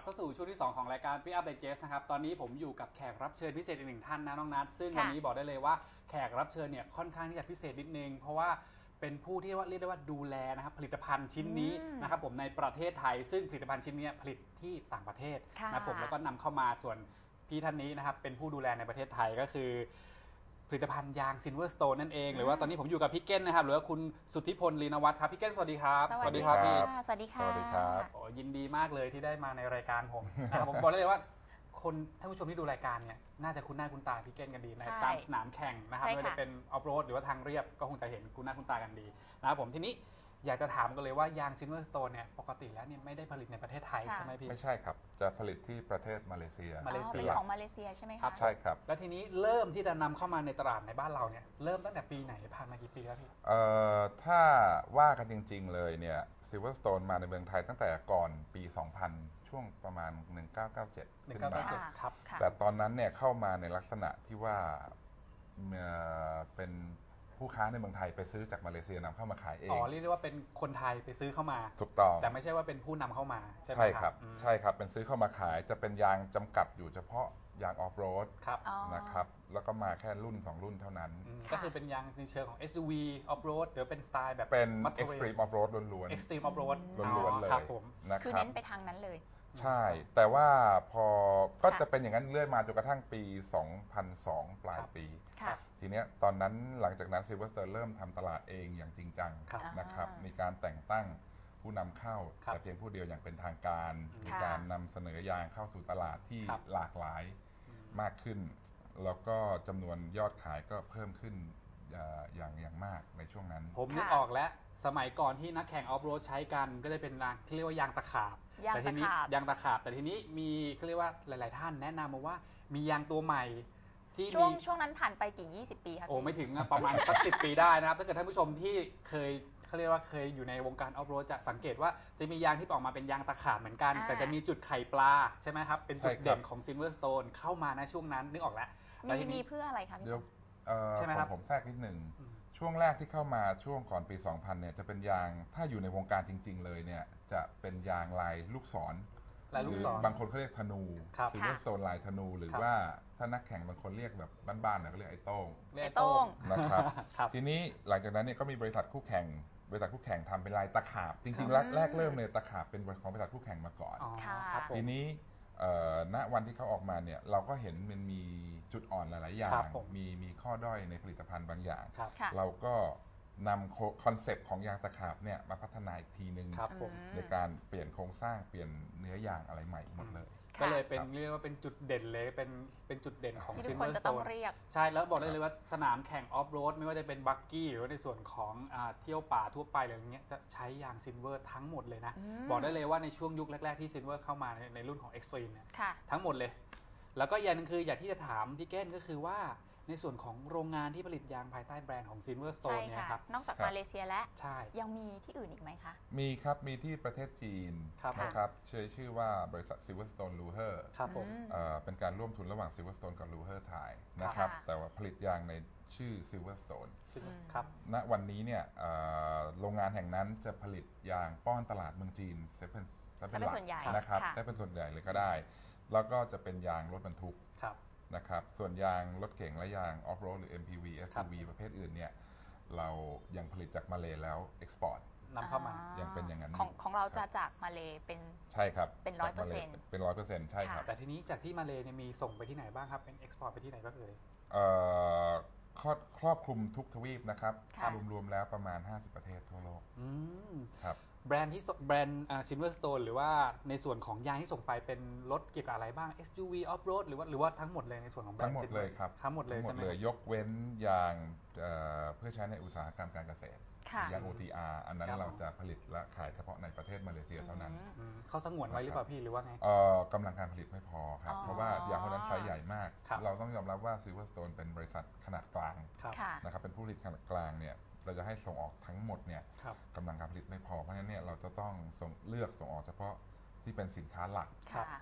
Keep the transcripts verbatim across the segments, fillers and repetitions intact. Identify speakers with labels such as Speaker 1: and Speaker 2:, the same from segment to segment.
Speaker 1: เข้าสู่ช่วงที่สองของรายการ Pick Up Digest นะครับตอนนี้ผมอยู่กับแขกรับเชิญพิเศษอีกหนึ่งท่านนะน้องนัทซึ่งวันนี้บอกได้เลยว่าแขกรับเชิญเนี่ยค่อนข้างที่จะพิเศษนิดนึงเพราะว่าเป็นผู้ที่ว่าเรียกได้ว่าดูแลนะครับผลิตภัณฑ์ชิ้นนี้นะครับผมในประเทศไทยซึ่งผลิตภัณฑ์ชิ้นนี้ผลิตที่ต่างประเทศนะผมแล้วก็นำเข้ามาส่วนพี่ท่านนี้นะครับเป็นผู้ดูแลในประเทศไทยก็คือผลิตภัณฑ์ยาง Silverstone นั่นเองหรือว่าตอนนี้ผมอยู่กับพี่เก้นนะครับหรือว่าคุณสุทธิพลลีนวัฒน์ครับพี่เก้นสวัสดีครับ
Speaker 2: สวัสดีครับพี่
Speaker 3: สวัสดีค่ะ
Speaker 2: สวัสดีครับ
Speaker 1: โอ้ยินดีมากเลยที่ได้มาในรายการผมนะครับผมบอกได้เลยว่าคนท่านผู้ชมที่ดูรายการเนี่ยน่าจะคุ้นหน้าคุ้นตาพี่เก้นกันดีในตามสนามแข่งนะครับไม่ว่าจะเป็นออฟโรดหรือว่าทางเรียบก็คงจะเห็นคุ้นหน้าคุ้นตากันดีนะครับผมทีนี้อยากจะถามกันเลยว่ายาง Silverstone เนี่ยปกติแล้วเนี่ยไม่ได้ผลิตในประเทศไทยใช่ไหมพี่
Speaker 2: ไม่ใช่ครับจะผลิตที่ประเทศมาเลเซีย
Speaker 3: มาเลเซียของมาเลเซียใช่ไหมคะ
Speaker 2: ใช่ครับ
Speaker 1: แล้วทีนี้เริ่มที่จะนำเข้ามาในตลาดในบ้านเราเนี่ยเริ่มตั้งแต่ปีไหนผ่านมากี่ปีแล้วพี่
Speaker 2: เอ่อถ้าว่ากันจริงๆเลยเนี่ย Silverstone มาในเมืองไทยตั้งแต่ก่อนปี สองพัน ช่วงประมาณ หนึ่งพันเก้าร้อยเก้าสิบเจ็ด ขึ้นมา
Speaker 1: ครับ
Speaker 2: แต่ตอนนั้นเนี่ยเข้ามาในลักษณะที่ว่าเป็นผู้ค้าในเมืองไทยไปซื้อจากมาเลเซียนำเข้ามาขายเอง
Speaker 1: อ๋อเรียกได้ว่าเป็นคนไทยไปซื้อเข้ามา
Speaker 2: ถูกต้อง
Speaker 1: แต่ไม่ใช่ว่าเป็นผู้นำเข้ามาใช่ไหม
Speaker 2: ใช่ครับใช่ครับเป็นซื้อเข้ามาขายจะเป็นยางจำกัดอยู่เฉพาะยางออฟโรดนะครับแล้วก็มาแค่รุ่นสองรุ่นเท่านั้น
Speaker 1: ก็คือเป็นยางในเชิงของ เอส ยู วี ออฟโรดหรือเป็นสไตล์แบบ
Speaker 2: เป็น Extreme Off-road ล้วน
Speaker 1: ๆ Extreme Off-road
Speaker 2: ล้วนๆเลย
Speaker 3: นะครับคือเน้นไปทางนั้นเลย
Speaker 2: ใช่แต่ว่าพอก็จะเป็นอย่างนั้นเรื่อยมาจนกระทั่งปี สองพันสอง ปลายปีทีเนี้ยตอนนั้นหลังจากนั้น Silverstone เริ่มทำตลาดเองอย่างจริงจังนะครับมีการแต่งตั้งผู้นำเข้าแต่เพียงผู้เดียวอย่างเป็นทางการมีการนำเสนอยางเข้าสู่ตลาดที่หลากหลายมากขึ้นแล้วก็จำนวนยอดขายก็เพิ่มขึ้นอย่างอย่างมากในช่วงนั้น
Speaker 1: ผมนึกออกแล้วสมัยก่อนที่นักแข่งออฟโรดใช้กันก็จะเป็นที่เรียกว่ายางตะขาบแต่ทีนี้ยางตะขาบแต่ทีนี้มีเขาเรียกว่าหลายๆท่านแนะนำมาว่ามียางตัวใหม่ที่
Speaker 3: ช่วงช่วงนั้นผ่านไปกี่ยี่สิบปีครับ
Speaker 1: โอ้ไม่ถึงประมาณสักสิบปีได้นะครับถ้าเกิดท่านผู้ชมที่เคยเขาเรียกว่าเคยอยู่ในวงการออฟโรดจะสังเกตว่าจะมียางที่ออกมาเป็นยางตะขาบเหมือนกันแต่จะมีจุดไข่ปลาใช่ไหมครับเป็นจุดเด่นของ Silverstone เข้ามาในช่วงนั้นนึกออกแล้ว
Speaker 3: มีมีเพื่ออะไรครับ
Speaker 2: เดี๋ยวใช่ไหมครับผมแทรกนิดหนึ่งช่วงแรกที่เข้ามาช่วงก่อนปี สองพัน เนี่ยจะเป็นยางถ้าอยู่ในวงการจริงๆเลยเนี่ยจะเป็นยางลายลูกศร
Speaker 1: ลายลูกศร
Speaker 2: บางคนเขาเรียกธนู Silverstone ลายธนูหรือว่าถ้านักแข่งบางคนเรียกแบบบ้านๆเนี่ยเขาเรียกไอ้โต้ง
Speaker 3: ไอ้โต้ง
Speaker 2: นะครับทีนี้หลังจากนั้นเนี่ยก็มีบริษัทคู่แข่งบริษัทคู่แข่งทำเป็นลายตะขาบจริงๆแรกเริ่มเลยตะขาบเป็นของบริษัทคู่แข่งมาก่อนทีนี้ณวันที่เขาออกมาเนี่ยเราก็เห็นมันมีจุดอ่อนหลายๆอย่างมีมีข้อด้อยในผลิตภัณฑ์บางอย่างเราก็นำคอนเซปต์ของยางตะขาบเนี่ยมาพัฒนาอีกทีนึงในการเปลี่ยนโครงสร้างเปลี่ยนเนื้อยางอะไรใหม่หมดเลย
Speaker 1: ก็เลยเป็นเรียกว่าเป็นจุดเด่นเลยเป็นเป็นจุดเด่นของ
Speaker 3: Silverstone
Speaker 1: ใช่แล้วบอกได้เลยว่าสนามแข่งออฟโรดไม่ว่าจะเป็นบักกี้หรือว่าในส่วนของเที่ยวป่าทั่วไปอะไรอย่างเงี้ยจะใช้ยางซิลเวอร์ทั้งหมดเลยนะบอกได้เลยว่าในช่วงยุคแรกๆที่ซิลเวอร์เข้ามาในรุ่นของ Extreme เนี่ยทั้งหมดเลยแล้วก็อย่างนึงคืออยากที่จะถามพี่แก้นก็คือว่าในส่วนของโรงงานที่ผลิตยางภายใต้แบรนด์ของ Silverstone เนี่ยครับ
Speaker 3: นอกจากมาเลเซียแล้วยังมีที่อื่นอีกไหมคะ
Speaker 2: มีครับมีที่ประเทศจีนนะครับชื่อชื่อว่าบริษัท Silverstone Luher
Speaker 1: ครับผม
Speaker 2: เป็นการร่วมทุนระหว่าง Silverstone กับ Luher Thai นะครับแต่ว่าผลิตยางในชื่อ Silverstone
Speaker 1: ครับ
Speaker 2: ณวันนี้เนี่ยโรงงานแห่งนั้นจะผลิตยางป้อนตลาดเมืองจีนเซเป็น
Speaker 3: เป็นส่วนใหญ่
Speaker 2: นะครับได้เป็นส่วนใหญ่เลยก็ได้แล้วก็จะเป็นยางรถบรรทุกนะครับส่วนยางรถเก๋งและยางออฟโรดหรือ เอ็ม พี วี เอส ยู วี ประเภทอื่นเนี่ยเรายังผลิตจากมาเลแล้วเอ็กซ์พอร์ต
Speaker 1: นำเข้ามา
Speaker 2: ยังเป็นอย่างนั้น
Speaker 3: ของของเราจะจากมาเลเป็น
Speaker 2: ใช่ครับ
Speaker 3: เป็นร้อยเปอร์เซ็นต์
Speaker 2: เป็นร้อยเปอร์เซ็นต์ใช่ครับ
Speaker 1: แต่ทีนี้จากที่มาเลเนี่ยมีส่งไปที่ไหนบ้างครับเป็นเอ็กซ์พอร์ตไปที่ไหนบ้างเอ่ย
Speaker 2: ครอบคลุมทุกทวีปนะครับรวมๆแล้วประมาณห้าสิบประเทศทั่วโลกครับ
Speaker 1: แบรนด์ที่แบรนด์ Silverstone หรือว่าในส่วนของยางที่ส่งไปเป็นรถเกี่ยวกับอะไรบ้าง เอส ยู วี Off-road หรือว่าหรือว่าทั้งหมดเลยในส่วนของแบรนด์
Speaker 2: ทั้งหมดเลยครับ
Speaker 1: ทั้งหมดเลยใช่ไหม
Speaker 2: ยกเว้นยางเพื่อใช้ในอุตสาหกรรมการเกษตรยาง โอ ที อาร์ อันนั้นเราจะผลิตและขายเฉพาะในประเทศมาเลเซียเท่านั้น
Speaker 1: เขาสงวนไว้หรือเปล่าพี่หรือว่าไง
Speaker 2: กำลังการผลิตไม่พอครับเพราะว่ายางคนนั้นไซส์ใหญ่มากเราต้องยอมรับว่า Silverstone เป็นบริษัทขนาดกลางนะครับเป็นผู้ผลิตขนาดกลางเนี่ยเราจะให้ส่งออกทั้งหมดเนี่ยกำลังการผลิตไม่พอเพราะฉะนั้นเนี่ยเราจะต้องส่งเลือกส่งออกเฉพาะที่เป็นสินค้าหลัก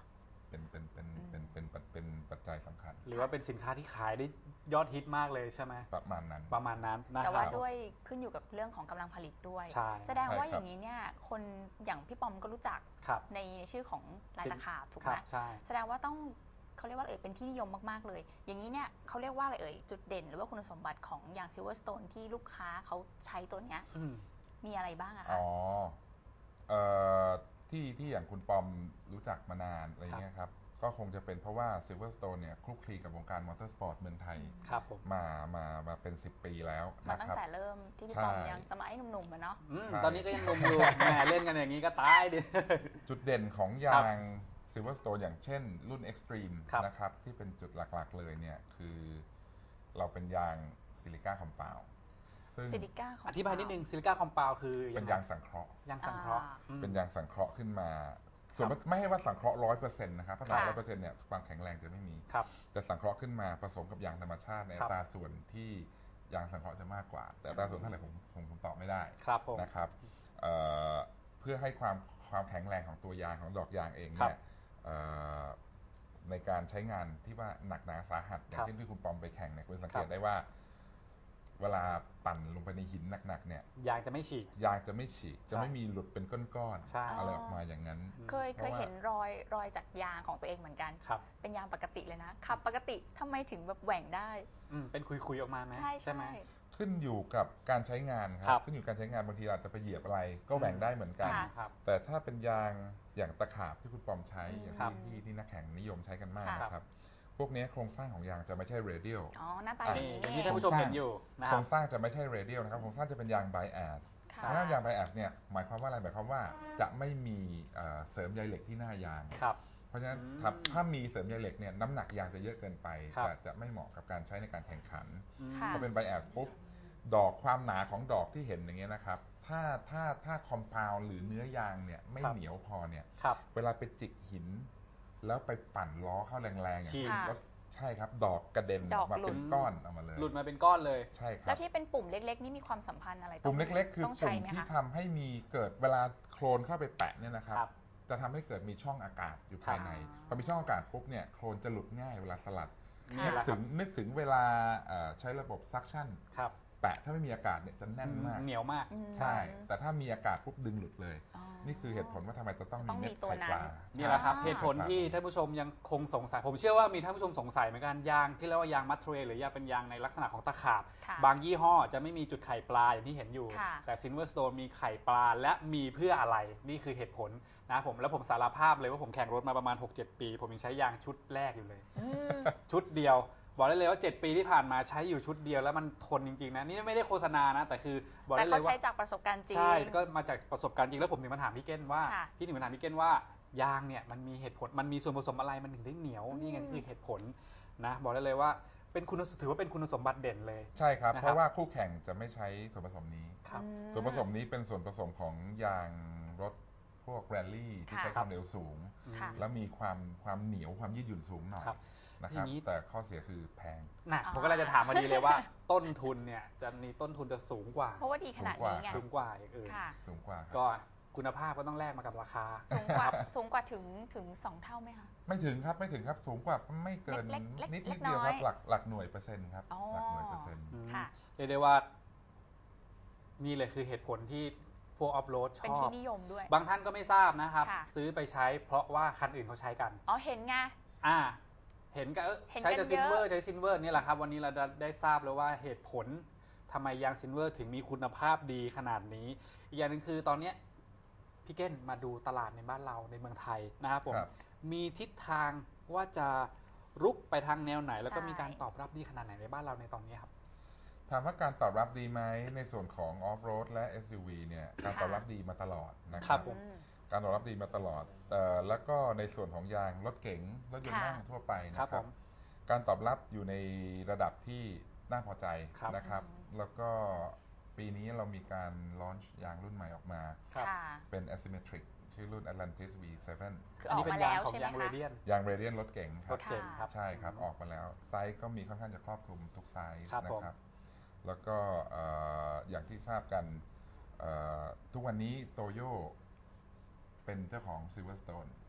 Speaker 2: เป็นเป็นเป็นเป็นเป็นเป็นปัจจัยสำคัญ
Speaker 1: หรือว่าเป็นสินค้าที่ขายได้ยอดฮิตมากเลยใช่ไหม
Speaker 2: ประมาณนั้น
Speaker 1: ประมาณนั้นนะ
Speaker 3: แต่
Speaker 1: ครั
Speaker 3: ว่า
Speaker 1: บ
Speaker 3: ด้วยขึ้นอยู่กับเรื่องของกำลังผลิตด้วย
Speaker 1: ใช่
Speaker 3: แสดงว่า
Speaker 2: ใช่ครับ
Speaker 3: อย่างนี้เนี่ยคนอย่างพี่ปอมก็รู้จัก
Speaker 1: ครับ
Speaker 3: ในชื่อของลายตะขาบถูก
Speaker 1: ค
Speaker 3: ไหม
Speaker 1: รับใช่
Speaker 3: แสดงว่าต้องเขาเรียกว่าเอ่ยเป็นที่นิยมมากๆเลย อย่างนี้เนี่ยเขาเรียกว่าอะไรเอ่ยจุดเด่นหรือว่าคุณสมบัติของยาง Silverstone ที่ลูกค้าเขาใช้ตัวเนี้ย
Speaker 1: อืม
Speaker 3: มีอะไรบ้างอะ
Speaker 2: อ๋
Speaker 3: คะ
Speaker 2: อเอ่อที่ที่อย่างคุณปอมรู้จักมานานอะไรเงี้ยครับก็คงจะเป็นเพราะว่า Silverstone เนี่ยคลุกคลีกับวงการมอเตอร์สปอร์ตเมืองไทย
Speaker 1: ครับผม
Speaker 2: มามามาเป็นสิบปีแล้ว
Speaker 3: มา
Speaker 2: นะ
Speaker 3: ตั้
Speaker 2: ค
Speaker 3: ง
Speaker 2: รับ
Speaker 3: แต่เริ่มที่พี่
Speaker 2: ใช่
Speaker 3: ปอมยังสมัยหนุ่มๆอะเนาะ
Speaker 1: อืม
Speaker 2: ใช่
Speaker 1: ตอนนี้ก็ยังหนุ่มอยู่ แหมเล่นกันอย่างนี้ก็ตายดิ
Speaker 2: จุดเด่นของ
Speaker 1: ครั
Speaker 2: ยา
Speaker 1: บ
Speaker 2: ง Silverstone อย่างเช่นรุ่น Extreme
Speaker 1: ครับ
Speaker 2: นะครับที่เป็นจุดหลักๆเลยเนี่ยคือเราเป็นยางซิลิก้าคอมเปลซึ่ง
Speaker 3: ซิลิก้าของ
Speaker 1: อธิบายนิดนึงซิลิก้าคอมเปลคือ
Speaker 2: เป็น
Speaker 1: ไง
Speaker 2: ยางสังเคราะห์
Speaker 1: ยางสังเคราะห์อืม
Speaker 2: เป็นยางสังเคราะห์ขึ้นมา ส่วนไม่ให้ว่าสังเคราะห์ร้อยเปอร์เซ็นต์นะครับถ้าร้อยเปอร์เซ็นต์เนี่ยความแข็งแรงจะไม่มี
Speaker 1: ครับ
Speaker 2: แต่สังเคราะห์ขึ้นมาผสมกับยางธรรมชาติใน
Speaker 1: ครั
Speaker 2: อั
Speaker 1: บ
Speaker 2: ตราส่วนที่ยางสังเคราะห์จะมากกว่า แต่อัตราส่วนเท่าไหร่ผมผมผมตอบไม่ได้
Speaker 1: ครับผม
Speaker 2: นะครับเอ่อเพื่อให้ความความแข็งแรงของตัวยางของดอกยางเอง
Speaker 1: ครั
Speaker 2: เนี่ย
Speaker 1: บ
Speaker 2: เอ่อในการใช้งานที่ว่าหนักหนาสาหัสอย่า
Speaker 1: ครั
Speaker 2: ง
Speaker 1: บ
Speaker 2: เช่นที่คุณปอมไปแข่งเนี่ยคุณสังเก
Speaker 1: ครั
Speaker 2: ต
Speaker 1: บ
Speaker 2: ได้ว่า เวลาปั่นลงไปในหินหนักๆเนี่ย
Speaker 1: ยางจะไม่ฉีก
Speaker 2: ยางจะไม่ฉีกจะไม่มีหลุดเป็นก้อน
Speaker 1: ใช่
Speaker 2: ๆอะไรออกมาอย่างนั้น
Speaker 3: เคยเคยเห็นรอยรอยจากยางของตัวเองเหมือนกัน
Speaker 1: ครับ
Speaker 3: เป็นยางปกติเลยนะขับปกติทำไมถึงแบบแหว่งได้
Speaker 1: อืมเป็นคุยๆออกมาไหม
Speaker 3: ใช่ใช่
Speaker 1: ไหม
Speaker 2: ขึ้นอยู่กับการใช้งานค
Speaker 1: ครั
Speaker 2: รับ บขึ้นอยู่กับการใช้งานบางทีเราอาจจะไปเหยียบอะไร ก็แหว่งได้เหมือนกัน
Speaker 3: ค่ะ
Speaker 1: ครับ
Speaker 2: แต่ถ้าเป็นยางอย่างตะขาบที่คุณปอมใช้
Speaker 3: อืม
Speaker 2: อย่าง
Speaker 1: ครับ
Speaker 2: ที่ที่ที่นักแข่งนิยมใช้กันมาก
Speaker 3: ค่ะ
Speaker 2: นะครับ พวกนี้โครงสร้างของยางจะไม่ใช่เรเดียล
Speaker 3: อ๋อหน้าตา
Speaker 2: อ่ะ
Speaker 3: อย่าง
Speaker 1: นี่
Speaker 3: นี้
Speaker 1: อย่าง
Speaker 3: นี่
Speaker 1: ที่
Speaker 3: เอ
Speaker 1: ท่าน
Speaker 3: ง
Speaker 1: ผู้ชมเห็นอยู่นะ
Speaker 2: โค
Speaker 1: ค
Speaker 2: ร
Speaker 1: รับ
Speaker 2: งสร้างจะไม่ใช่เรเดียลนะครับโครงสร้างจะเป็นยางไบแอส
Speaker 3: ค่ะ
Speaker 2: คำว่ายางไบแอสเนี่ยหมายความว่าอะไรหมายความว่าจะไม่มีเอ่อเสริมใยเหล็กที่หน้ายาง
Speaker 1: ครับ
Speaker 2: เพราะฉะนั้น
Speaker 1: อืม
Speaker 2: ถ้าถ้ามีเสริมใยเหล็กเนี่ยน้ำหนักยางจะเยอะเกินไป
Speaker 1: ครับ
Speaker 2: จะจะไม่เหมาะกับการใช้ในการแข่งขัน
Speaker 1: อืม
Speaker 3: ค่ะ
Speaker 2: พอเป็นไบแอสปุ๊บดอกความหนาของดอกที่เห็นอย่างเงี้ยนะครับถ้าถ้าถ้าคอมเพลหรือเนื้อยางเนี่ยไม่
Speaker 1: ครับ
Speaker 2: เหนียวพอเนี่ย
Speaker 1: ครับ
Speaker 2: เวลาไปจิกหิน แล้วไปปั่นล้อเข้าแรงๆอย่าง
Speaker 1: ฉีก
Speaker 2: เช่นรถใช่ครับ ดอกกระเด็น
Speaker 3: ด
Speaker 2: อ
Speaker 3: อ
Speaker 2: อก กมา
Speaker 3: หลุด
Speaker 2: เป็นก้อนออกมาเลย
Speaker 1: หลุดมาเป็นก้อนเลย
Speaker 2: ใช่ครั
Speaker 3: แล้
Speaker 2: บ
Speaker 3: วที่เป็นปุ่มเล็กๆ นี่มีความสัมพันธ์อะไร
Speaker 2: ปุ่มเล็กๆ คือ
Speaker 3: ต้อง
Speaker 2: ปุ่
Speaker 3: ใช้
Speaker 2: ม
Speaker 3: ไหม
Speaker 2: ที่
Speaker 3: คะ
Speaker 2: ทำให้มีเกิดเวลาโคลนเข้าไปแปะเนี่ยนะครับ
Speaker 1: ครับ
Speaker 2: จะทำให้เกิดมีช่องอากาศอยู่ภายใน
Speaker 3: ครับ
Speaker 2: พอมีช่องอากาศปุ๊บเนี่ยโคลนจะหลุดง่ายเวลาสลัด
Speaker 1: นี่
Speaker 2: นึก
Speaker 1: แหละค
Speaker 2: ถึ
Speaker 1: รับ
Speaker 2: งนึกถึงเวลาเอ่อใช้ระบบซักชั่น
Speaker 1: ครับ
Speaker 2: แปะถ้าไม่มีอากาศเนี่ยจะแน่นมาก
Speaker 1: เหนียวมาก
Speaker 3: อืม
Speaker 2: ใช่ แต่ถ้ามีอากาศปุ๊บดึงหลุดเลย
Speaker 3: อ๋อ
Speaker 2: นี่คือเหตุผลว่าทำไมจะต้อง
Speaker 3: ต้
Speaker 2: มี
Speaker 3: อง
Speaker 2: เม็
Speaker 3: มี
Speaker 2: ด
Speaker 3: ตัว
Speaker 2: ไข่
Speaker 3: นั้น
Speaker 2: ปลา
Speaker 1: นี่แหละครับ
Speaker 3: อ่า
Speaker 1: เหตุผลที่ท่านผู้ชมยังคงสงสัย ผมเชื่อว่ามีท่านผู้ชมสงสัยเหมือนกันยางที่เรียกว่ายางมัดเทรลหรือยางเป็นยางในลักษณะของตะขาบ
Speaker 3: ค่ะ
Speaker 1: บางยี่ห้อจะไม่มีจุดไข่ปลาอย่างที่เห็นอยู่
Speaker 3: ค่ะ
Speaker 1: แต่ Silverstone มีไข่ปลาและมีเพื่ออะไรนี่คือเหตุผลนะผมแล้วผมสารภาพเลยว่าผมแข่งรถมาประมาณ หกเจ็ด ปี ผมยังใช้ยางชุดแรกอยู่เลย
Speaker 3: อืม
Speaker 1: ชุดเดียว บอกได้เลยว่า เจ็ด ปีที่ผ่านมาใช้อยู่ชุดเดียวแล้วมันทนจริงๆนะนี่ไม่ได้โฆษณานะ แต่คือบอก
Speaker 3: แต่
Speaker 1: ได้เล
Speaker 3: เขา
Speaker 1: ยว่า
Speaker 3: ใช้จากประสบการณ์จริง
Speaker 1: ใช่ก็มาจากประสบการณ์จริงแล้วผมถึงมาถามพี่เก้นว่า
Speaker 3: ค่ะ
Speaker 1: พี่ถึงมาถามพี่เก้นว่ายางเนี่ยมันมีเหตุผลมันมีส่วนผสมอะไรมันถึงได้เหนียว
Speaker 3: อืม
Speaker 1: นี่ไงคือเหตุผลนะบอกได้เลยว่าเป็นคุณถือว่าเป็นคุณสมบัติเด่นเลย
Speaker 2: ใช่ครับ
Speaker 1: นะครับ
Speaker 2: เพราะว่าคู่แข่งจะไม่ใช้ส่วนผสมนี้
Speaker 1: ครับ
Speaker 3: อืม
Speaker 2: ส่วนผสมนี้เป็นส่วนผสมของยางรถพวกแรลลี่ที่
Speaker 3: ค่ะ
Speaker 2: ใช้ความเร็วสูง
Speaker 3: ค่ะ
Speaker 2: แล้วมีความความเหนียวความยืดหยุ่นสูงหน่อย
Speaker 1: ครับ
Speaker 2: นะครับ
Speaker 1: อย่างนี้
Speaker 2: แต่ข้อเสียคือแพง
Speaker 1: นะ
Speaker 3: อ่า
Speaker 1: ผมก็เลยจะถามพอดีเลยว่า ต้นทุนเนี่ยจะมีต้นทุนจะสูงกว่า
Speaker 3: เพราะว่าดีขนาดนี้ไง
Speaker 1: สูงกว่าอย่างอื่น
Speaker 3: ค่ะ
Speaker 2: สูงกว่าครับ
Speaker 1: ก็คุณภาพก็ต้องแลกมากับราคา
Speaker 3: สูงกว่าสูงกว่าถึงถึงสองเท่าไหมคะ
Speaker 2: ไม่ถึงครับไม่ถึงครับสูงกว่าไม่เกิน
Speaker 3: เล็กเล็ก
Speaker 2: นิด
Speaker 3: เล็
Speaker 2: นิ
Speaker 3: ก
Speaker 2: ดเดียว
Speaker 3: น้
Speaker 2: ค
Speaker 3: อย
Speaker 2: รับหลักหลักหน่วยเปอร์เซ็นต์ครับ
Speaker 3: อ๋อ
Speaker 2: หลักหน่วยเปอร์เซ็นต์
Speaker 1: อืม
Speaker 3: ค่ะ
Speaker 1: เรียกได้ว่านี่เลยคือเหตุผลที่พวกออฟโรดช
Speaker 3: เป็น
Speaker 1: อ
Speaker 3: ที่
Speaker 1: บ
Speaker 3: นิยมด้วย
Speaker 1: บางท่านก็ไม่ทราบนะครับ
Speaker 3: ค่ะ
Speaker 1: ซื้อไปใช้เพราะว่าคันอื่นเขาใช้กัน
Speaker 3: อ๋อเห็นไง
Speaker 1: อ่า เห็นกันเอ้ย
Speaker 3: เห็น
Speaker 1: ใช้
Speaker 3: กั
Speaker 1: แต่
Speaker 3: น
Speaker 1: ซินเวอร์
Speaker 3: เยอะ
Speaker 1: ใช้ซินเวอร์นี่แหละครับ วันนี้เราได้ทราบแล้วว่าเหตุผลทำไมยางซินเวอร์ถึงมีคุณภาพดีขนาดนี้ อีกอย่างหนึ่งคือตอนเนี้ยพี่เก้นมาดูตลาดในบ้านเราในเมืองไทยนะครับผม
Speaker 2: ครับ
Speaker 1: มีทิศทางว่าจะรุกไปทางแนวไหน แล้วก็
Speaker 3: ใช่
Speaker 1: มีการตอบรับดีขนาดไหนในบ้านเราในตอนนี้ครับ
Speaker 2: ถามว่าการตอบรับดีไหมในส่วนของออฟโรดและ เอส ยู วี เนี่ยการตอบรับดีมาตลอดนะค
Speaker 1: ครั
Speaker 2: รับ
Speaker 1: บผม
Speaker 3: อืม
Speaker 2: การตอบรับดีมาตลอดแต่แล้วก็ในส่วนของยางรถเก๋งรถยนต์
Speaker 3: ค่ะ
Speaker 2: นั่งทั่วไปนะ
Speaker 1: ค
Speaker 2: ค
Speaker 1: รั
Speaker 2: รั
Speaker 1: บบ ผม
Speaker 2: การตอบรับอยู่ในระดับที่น่าพอใจ
Speaker 1: ครับ
Speaker 2: นะครับ แล้วก็ปีนี้เรามีการลอนช์ยางรุ่นใหม่ออกมา
Speaker 1: ครับ
Speaker 3: ค่ะ
Speaker 2: เป็น asymmetric ชื่อรุ่น Atlantis วี เซเว่น
Speaker 3: คืออ
Speaker 1: อัน
Speaker 3: อก
Speaker 1: นี้เป็
Speaker 3: มาน
Speaker 1: ยา
Speaker 3: แล้
Speaker 1: ง
Speaker 3: ว
Speaker 1: ของ
Speaker 3: ใช่ไหม
Speaker 1: ยางเร
Speaker 3: คะ
Speaker 1: เดียน
Speaker 2: ยางเรเดียนรถเก๋งค
Speaker 1: ร
Speaker 2: รับ
Speaker 1: ถเก่งครับ
Speaker 2: ใช่ครับ ออกมาแล้ว ไซส์ก็มีค่อนข้างจะครอบคลุมทุกไซส์
Speaker 1: ครับ
Speaker 2: นะ
Speaker 1: ผม
Speaker 2: ครับ แล้วก็เอ่ออย่างที่ทราบกันเอ่อทุกวันนี้โตโยเป็นเจ้าของ Silverstone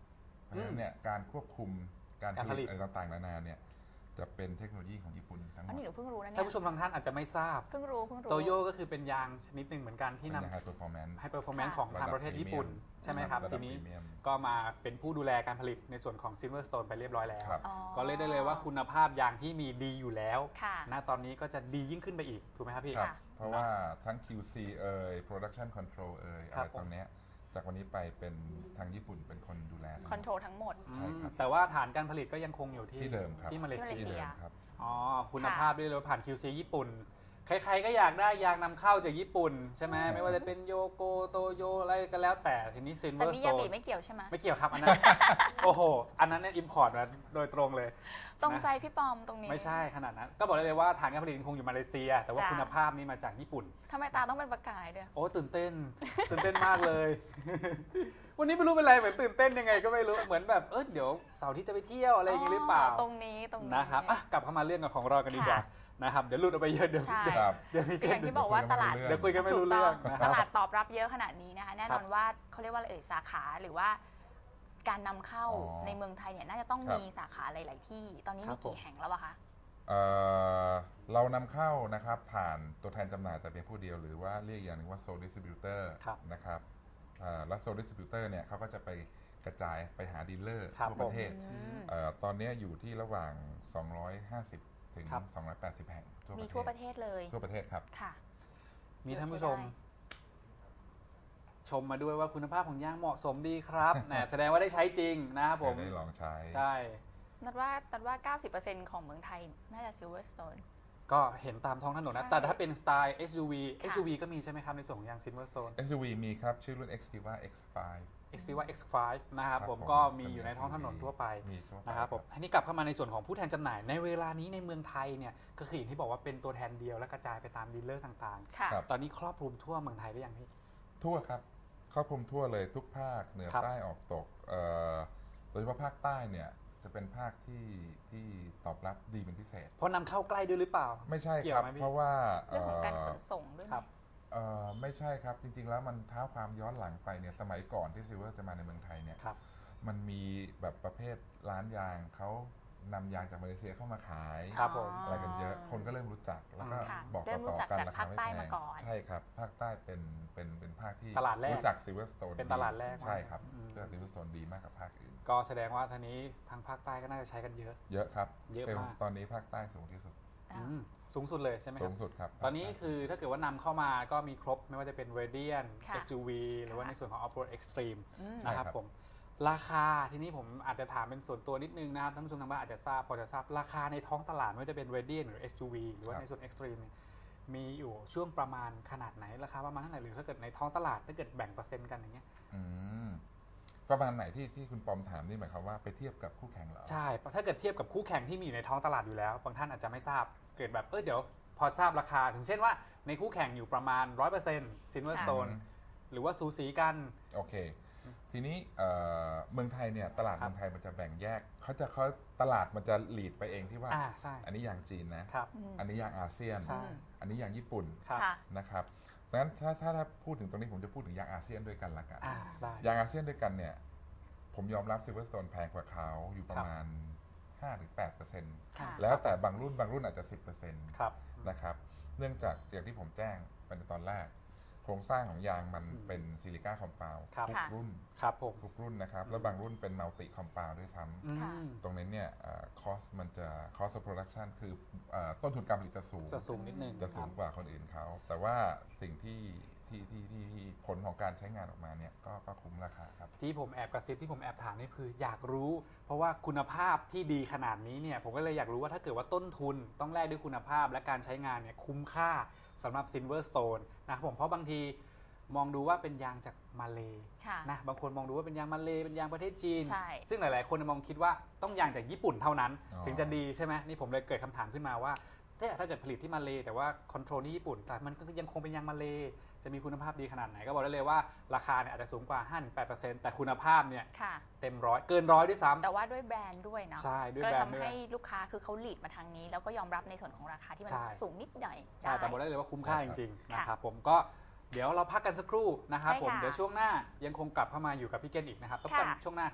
Speaker 2: เพราะฉะนั้นเนี่ยการควบคุมการ
Speaker 1: การ
Speaker 2: ผ
Speaker 1: ผลิ
Speaker 2: ลิ
Speaker 1: ต
Speaker 2: ตอะไรต่างๆนานาเนี่ยจะเป็นเทคโนโลยีของญี่ปุ่นทั้งหม
Speaker 3: อัน
Speaker 2: ด
Speaker 3: นี้หนูเพิ่งรู้นะเนี่
Speaker 1: ท่าน
Speaker 3: ย
Speaker 1: ผู้ชมบางท่านอาจจะไม่ทราบ
Speaker 3: เพิ่งรู้เพิ่งรู้
Speaker 1: โตโยก็คือเป็นยางชนิดหนึ่งเหมือนกันที่
Speaker 2: เป็น
Speaker 1: นำ
Speaker 2: ไฮเปอร์ฟอร์แมนซ์
Speaker 1: ไฮเปอร์ฟอร์แมนซ์
Speaker 3: ค่ะ
Speaker 1: ของทางประเทศญี่ปุ่น ใช่ไหมครับ
Speaker 2: ระดั
Speaker 1: ที
Speaker 2: บ
Speaker 1: นี้
Speaker 2: พรีเมียม
Speaker 1: ก็มาเป็นผู้ดูแลการผลิตในส่วนของ Silverstone ไปเรียบร้อยแล้ว
Speaker 2: ครับ
Speaker 3: อ๋อ
Speaker 1: ก็เลยได้เลยว่าคุณภาพยางที่มีดีอยู่แล้ว
Speaker 3: ค่ะ
Speaker 1: ณตอนนี้ก็จะดียิ่งขึ้นไปอีก ถูกไหมครับพี่
Speaker 2: ครับ
Speaker 3: ค่ะ
Speaker 2: เพราะว่าทั้ง คิว ซี เอ่ย Production Control เอ่ย
Speaker 1: ค
Speaker 2: อะ
Speaker 1: รับ
Speaker 2: ไรตรงเนี้ยจากวันนี้ไปเป็นทางญี่ปุ่นเป็นคนดูแลทั้งหมด
Speaker 3: คอนโทรลทั้งหมด
Speaker 2: ใช่ครับ
Speaker 1: แต่ว่าฐานการผลิตก็ยังคงอยู่ที่
Speaker 2: ที่เดิมครับ
Speaker 1: ที่มาเล
Speaker 3: ที่มาเล
Speaker 1: เซี
Speaker 3: เซี
Speaker 1: ย
Speaker 3: ย
Speaker 2: ครับ
Speaker 1: อ๋อ คุณภาพด้วยเลยผ่าน คิว ซี ญี่ปุ่น ใครๆก็อยากได้ยางนำเข้าจากญี่ปุ่น ใช่ไหม
Speaker 3: อืม
Speaker 1: ไม่ว่าจะเป็นโยโกโตโยอะไรก็แล้วแต่ทีนี้
Speaker 3: แต่มิยาบิ
Speaker 1: Silverstone
Speaker 3: ไม่เกี่ยวใช่ไหม
Speaker 1: ไม่เกี่ยวครับอันนั้น โอ้โห อันนั้นเนี่ยอิมพอร์ตมาโดยตรงเลย
Speaker 3: ตรงใจพี่ปอมตรงนี้
Speaker 1: ไม่ใช่ขนาดนั้น ก็บอกได้เลยว่าฐานการผลิตยังคงอยู่มาเลเซีย แต่ว่า
Speaker 3: จ้ะ
Speaker 1: คุณภาพนี่มาจากญี่ปุ่น
Speaker 3: ทำไมตาต้องเป็นประกายด้วย
Speaker 1: โอ้ตื่นเต้น ตื่นเต้นมากเลย วันนี้ไม่รู้เป็นไรเหมือนตื่นเต้นยังไงก็ไม่รู้เหมือนแบบเออเดี๋ยวเสาร์อาที่จะไปเที่ยวอะไรอย่างงี้หรือเปล่า
Speaker 3: ตรงนี้ตรงนี้
Speaker 1: นะครับอ่ะกลับเข้ามาเรื่องของเรากันดีกว่านะครับเดี๋ยวหลุดออกไปเยอะเดี๋ยว
Speaker 3: ใช่
Speaker 2: ครับ
Speaker 1: เดี๋ยวมี
Speaker 3: ก็อย่างที่บอกว่าตลาด
Speaker 2: เดี๋
Speaker 1: เดี๋ยวคุยกันไม่รู้เรื่อง
Speaker 3: ถูก
Speaker 1: นะ
Speaker 3: ต้
Speaker 1: ค
Speaker 3: ต
Speaker 1: รับ
Speaker 3: ลาดตอบรับเยอะขนาดนี้นะคะแน่นอนว่าเขาเรียกว่าอะไรเอ่ยสาขาหรือว่าการนำเข้า
Speaker 2: อ๋อ
Speaker 3: ในเมืองไทยเนี่ยน่าจะต้อง
Speaker 2: ครับ
Speaker 3: มีสาขาหลาย ๆ ที่ ตอนนี้
Speaker 1: ครั
Speaker 3: มี
Speaker 1: บผม
Speaker 3: กี่แห่งแล้วอะคะ
Speaker 2: เอ่อเรานำเข้านะครับผ่านตัวแทนจำหน่ายแต่เพียงผู้เดียวหรือว่าเรียกอย่างหนึงว่า Sole Distributor
Speaker 1: ครับ
Speaker 2: นะครับอ่าแล้ว Sole Distributor เนี่ยเขาก็จะไปกระจายไปหาดีลเลอร์
Speaker 1: ครับ
Speaker 2: ทั่วประเทศ
Speaker 3: อืม
Speaker 2: เอ่อตอนนี้อยู่ที่ระหว่าง สองร้อยห้าสิบ ถึง
Speaker 1: ครับ
Speaker 2: สองร้อยแปดสิบ แห่งทั่วป
Speaker 3: มี
Speaker 2: ระเทศ
Speaker 3: ทั่วประเทศเลย
Speaker 2: ทั่วประเทศครับ
Speaker 3: ค่ะ
Speaker 1: มีท่านผู้ชม ชมมาด้วยว่าคุณภาพของยางเหมาะสมดีครับ นะแสดงว่าได้ใช้จริงนะครับผม
Speaker 2: ได้ลองใช้
Speaker 1: ใช่
Speaker 3: นัดว่านัดว่า เก้าสิบเปอร์เซ็นต์ ของเมืองไทยน่าจะ Silverstone
Speaker 1: ก็เห็นตามท้องถนนนะ
Speaker 3: ใช่
Speaker 1: แต่ถ้าเป็นสไตล์ เอส ยู วี
Speaker 3: ค่ะ
Speaker 1: เอส ยู วี ก็มีใช่ไหมครับในส่วนของยาง Silverstone
Speaker 2: เอส ยู วี มีครับ ชื่อรุ่น Xtiva เอ็กซ์ ไฟว์
Speaker 1: Xtiva เอ็กซ์ ไฟว์ นะครับ
Speaker 2: ครับ
Speaker 1: ผม
Speaker 2: ผม
Speaker 1: ก็มีอยู่ในท้องถนนทั่วไป
Speaker 2: มีทั่วไป
Speaker 1: นะครับผมอันนี้กลับเข้ามาในส่วนของผู้แทนจำหน่าย ในเวลานี้ในเมืองไทยเนี่ยก็คืออย่างที่บอกว่าเป็นตัวแทนเดียวและกระจายไปตามดีลเลอร์ต่าง
Speaker 3: ค่ะ
Speaker 2: ครับ
Speaker 1: ๆ ตอนนี้ครอบคลุมทั่วเมืองไทยได้ยังพี่
Speaker 2: ทั่วครับครอบคลุมทั่วเลยทุกภาคเหนือ
Speaker 1: ครับ
Speaker 2: ใต้ออกตกเอ่อโดยเฉพาะภาคใต้เนี่ยจะเป็นภาคที่ที่ตอบรับดีเป็นพิเศษ
Speaker 1: เพราะนำเข้าใกล้ด้วยหรือเปล่า
Speaker 2: ไม่ใช่
Speaker 1: เกี่ย
Speaker 2: คว รับ
Speaker 1: ไหมพี่
Speaker 2: เพราะว่า
Speaker 3: เรื่องของการข
Speaker 2: เอ่
Speaker 3: นส่งด้วยไหม
Speaker 1: ครับ
Speaker 2: เอ่อไม่ใช่ครับจริง ๆ แล้วมันเท้าความย้อนหลังไปเนี่ยสมัยก่อนที่ซิลเวอร์จะมาในเมืองไทยเนี่ย
Speaker 1: ครับ
Speaker 2: มันมีแบบประเภทร้านยางเขานำยางจากมาเลเซียเข้ามาขาย
Speaker 1: ครับผม
Speaker 2: อะไรกันเยอะคนก็เริ่มรู้จักแล้วก็
Speaker 3: ค่ะ
Speaker 2: บอก
Speaker 3: เริ่มรู้
Speaker 2: ต่อ
Speaker 3: จัก
Speaker 2: ๆกัน
Speaker 3: จาก
Speaker 2: รา
Speaker 3: ภา
Speaker 2: คา
Speaker 3: ค
Speaker 2: ไม่
Speaker 3: ใต้
Speaker 2: แพ
Speaker 3: มาง ก่อน
Speaker 2: ใช่ครับภาคใต้เป็นเป็นเป็นภาคที่
Speaker 1: ตลาดแรก
Speaker 2: รู้จักซิลเวอร์สโตน
Speaker 1: เป็นตลาดแรก
Speaker 2: ใช่ครับ
Speaker 1: อืม
Speaker 2: เพื่อซิลเวอร์สโตนดีมากกับภาคอื่น
Speaker 1: ก็แสดงว่าทีนี้ทางภาคใต้ก็น่าจะใช้กันเยอะ
Speaker 2: เยอะครับ
Speaker 1: เยอะ
Speaker 2: ซลล์
Speaker 1: มาก
Speaker 2: ตอนนี้ภาคใต้สูงที่สุด
Speaker 3: อ่า
Speaker 1: อืมสูงสุดเลยใช่ไหมค
Speaker 2: สู
Speaker 1: รับ
Speaker 2: งสุดครับ
Speaker 1: ตอนนี้คือถ้าเกิดว่านำเข้ามาก็มีครบไม่ว่าจะเป็น Radiant
Speaker 3: ค่ะ
Speaker 1: เอส ยู วี หรือว่าในส่วนของ Off-road Extreme
Speaker 3: อืม
Speaker 1: นะครับผมราคาทีนี้ผมอาจจะถามเป็นส่วนตัวนิดนึงนะครับท่านผู้ชมทางบ้านอาจจะทราบพอจะทราบราคาในท้องตลาดไม่ว่าจะเป็น Radiant หรือ เอส ยู วี หรือว่าในส่วน Extreme เนี่ยมีอยู่ช่วงประมาณขนาดไหนราคาประมาณเท่าไหร่หรือถ้าเกิดในท้องตลาดถ้าเกิดแบ่งเปอร์เซ็นต์กันอย่างเงี้ย
Speaker 2: อืมประมาณไหนที่ที่คุณปอมถามนี่หมายความว่าไปเทียบกับคู่แข่งเหรอ
Speaker 1: ใช่ถ้าเกิดเทียบกับคู่แข่งที่มีอยู่ในท้องตลาดอยู่แล้วบางท่านอาจจะไม่ทราบเกิดแบบเออเดี๋ยวพอทราบราคาถึงเช่นว่าในคู่แข่งอยู่ประมาณ ร้อยเปอร์เซ็นต์ Silverstone หรือว่าสูสีกัน
Speaker 2: โอเค ทีนี้เอ่อเมืองไทยเนี่ยตลาด
Speaker 1: ครับ
Speaker 2: เมืองไทยมันจะแบ่งแยกเขาจะเขาตลาดมันจะหลีดไปเองที่ว่า
Speaker 1: อ่าใช่
Speaker 2: อันนี้ยางจีนนะ
Speaker 1: ครับ
Speaker 3: อืม
Speaker 2: อันนี้ยางอาเซียน
Speaker 1: ใช่
Speaker 2: อันนี้ยางญี่ปุ่น
Speaker 1: ครับ
Speaker 3: ค่ะ
Speaker 2: นะครับดังนั้นถ้าถ้าถ้าพูดถึงตรงนี้ผมจะพูดถึงยางอาเซียนด้วยกันละกัน
Speaker 1: อ่าได้
Speaker 2: ยางอาเซียนด้วยกันเนี่ยผมยอมรับซิลเวอร์สโตนแพงกว่าเขาอยู่ประมาณ ห้าถึงแปดเปอร์เซ็นต์
Speaker 3: ค่ะ
Speaker 2: แล้วแต่บางรุ่นบางรุ่นอาจจะ สิบเปอร์เซ็นต์
Speaker 1: ครับ
Speaker 2: นะครับเนื่องจากอย่างที่ผมแจ้งไปในตอนแรก โครงสร้างของยางมัน
Speaker 1: อืม
Speaker 2: เป็นซิลิก้าคอมเปล
Speaker 1: ครับ
Speaker 2: ทุก
Speaker 3: ค่ะ
Speaker 2: รุ่น
Speaker 1: ครับผม
Speaker 2: ทุกรุ่นนะครับ แล้วบางรุ่นเป็นมัลติคอมเปลด้วยซ้
Speaker 1: อืม
Speaker 3: ค่ะ
Speaker 2: ำตรงนี้เนี่ยคอสมันจะ cost of production คือเอ่อต้นทุนการผลิตจะสูง
Speaker 1: จะสูงนิดนึง
Speaker 2: จะสูงกว่าคนอื่นเขา แต่ว่าสิ่งที่ที่ที่ที่ที่ผลของการใช้งานออกมาเนี่ยก็ก็คุ้มราคาครับ
Speaker 1: ที่ผมแอบกระซิบที่ผมแอบถามนี่คืออยากรู้ เพราะว่าคุณภาพที่ดีขนาดนี้เนี่ยผมก็เลยอยากรู้ว่าถ้าเกิดว่าต้นทุนต้องแลกด้วยคุณภาพและการใช้งานเนี่ยคุ้มค่าสำหรับ Silverstone นะครับผมเพราะบางทีมองดูว่าเป็นยางจากมาเล
Speaker 3: ค่ะ
Speaker 1: นะบางคนมองดูว่าเป็นยางมาเลเป็นยางประเทศจีน
Speaker 3: ใช่
Speaker 1: ซึ่งหลาย ๆ คนมองคิดว่าต้องยางจากญี่ปุ่นเท่านั้น
Speaker 2: อ๋อ
Speaker 1: ถึงจะดีใช่ไหมนี่ผมเลยเกิดคำถามขึ้นมาว่าเนี่ยถ้าเกิดผลิตที่มาเลแต่ว่าคอนโทรลที่ญี่ปุ่นแต่มันก็ยังคงเป็นยางมาเลจะมีคุณภาพดีขนาดไหนก็บอกได้เลยว่าราคาเนี่ยอาจจะสูงกว่า ห้าถึงแปดเปอร์เซ็นต์ แต่คุณภาพเนี่ย
Speaker 3: ค่ะ
Speaker 1: เต็มร้อยเกินร้อยด้วยซ้ำ
Speaker 3: แต่ว่าด้วยแบรนด์ด้วยเนาะ
Speaker 1: ใช่ด้วย
Speaker 3: ก็
Speaker 1: แบรนด์
Speaker 3: ทำ
Speaker 1: ด้วย
Speaker 3: ให้ลูกค้าคือเขาหลีดมาทางนี้ แล้วก็ยอมรับในส่วนของราคาที่มัน
Speaker 1: ใช่
Speaker 3: สูงนิดหน่อย
Speaker 1: ใช่แต่บอกได้เลยว่าคุ้มค่าจริง ๆ
Speaker 3: ค่ะ
Speaker 1: นะครับผมก็เดี๋ยวเราพักกันสักครู่นะครับ
Speaker 3: ใช่
Speaker 1: ผม
Speaker 3: ค่ะ
Speaker 1: เดี๋ยวช่วงหน้ายังคงกลับเข้ามาอยู่กับพี่เกนอีกนะครับพบกัน
Speaker 3: ค่ะ
Speaker 1: ช่วงหน้าครับ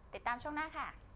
Speaker 3: ติดตามช่วงหน้าค่ะ